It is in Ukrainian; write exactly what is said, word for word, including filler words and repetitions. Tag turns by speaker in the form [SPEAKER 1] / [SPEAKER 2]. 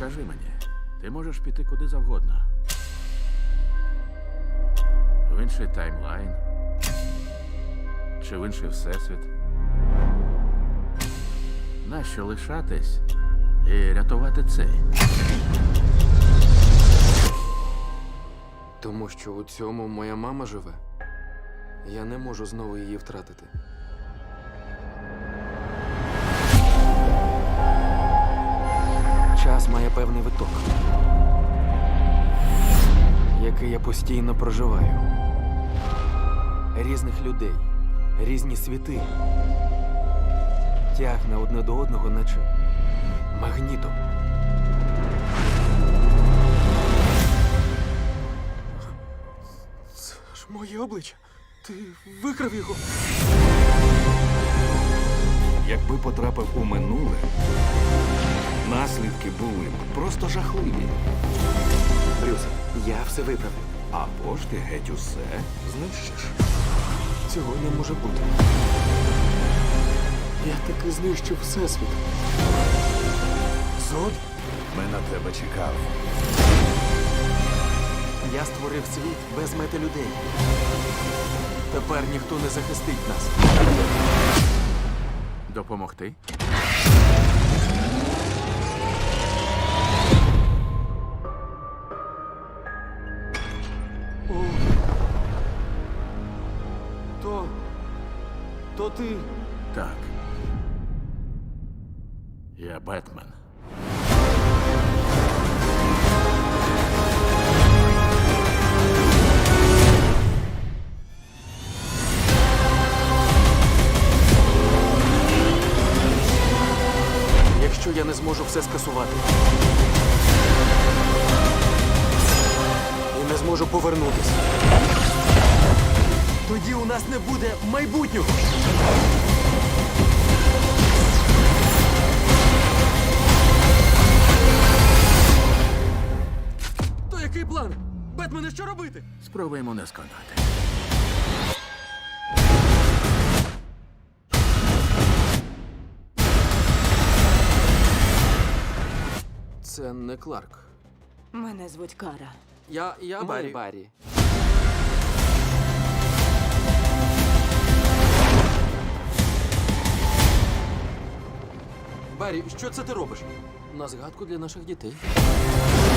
[SPEAKER 1] Скажи мені, ти можеш піти куди завгодно. В інший таймлайн. Чи в інший всесвіт. Нащо лишатись і рятувати цей?
[SPEAKER 2] Тому що у цьому моя мама живе. Я не можу знову її втратити. Час має певний виток, який я постійно проживаю. Різних людей, різні світи. Тягне одне до одного, наче магнітом. Це ж моє обличчя. Ти викрав його.
[SPEAKER 3] Якби потрапив у минуле, наслідки були б просто жахливі.
[SPEAKER 2] Брюс, я все виправлю.
[SPEAKER 3] Або ж ти геть усе знищиш.
[SPEAKER 2] Цього не може бути. Я таки знищив всесвіт. Зод?
[SPEAKER 3] Ми на тебе чекали.
[SPEAKER 2] Я створив світ без мети людей. Тепер ніхто не захистить нас.
[SPEAKER 1] Допомогти?
[SPEAKER 2] О. То... То ти...
[SPEAKER 1] Так. Я Бетмен.
[SPEAKER 2] Якщо я не зможу все скасувати і не зможу повернутися, тоді у нас не буде майбутнього. То який план? Бетмене, що робити?
[SPEAKER 1] Спробуємо не сконати.
[SPEAKER 2] Це не Кларк.
[SPEAKER 4] Мене звуть Кара.
[SPEAKER 2] Я... я Баррі. Баррі. Баррі, що це ти робиш? На згадку для наших дітей.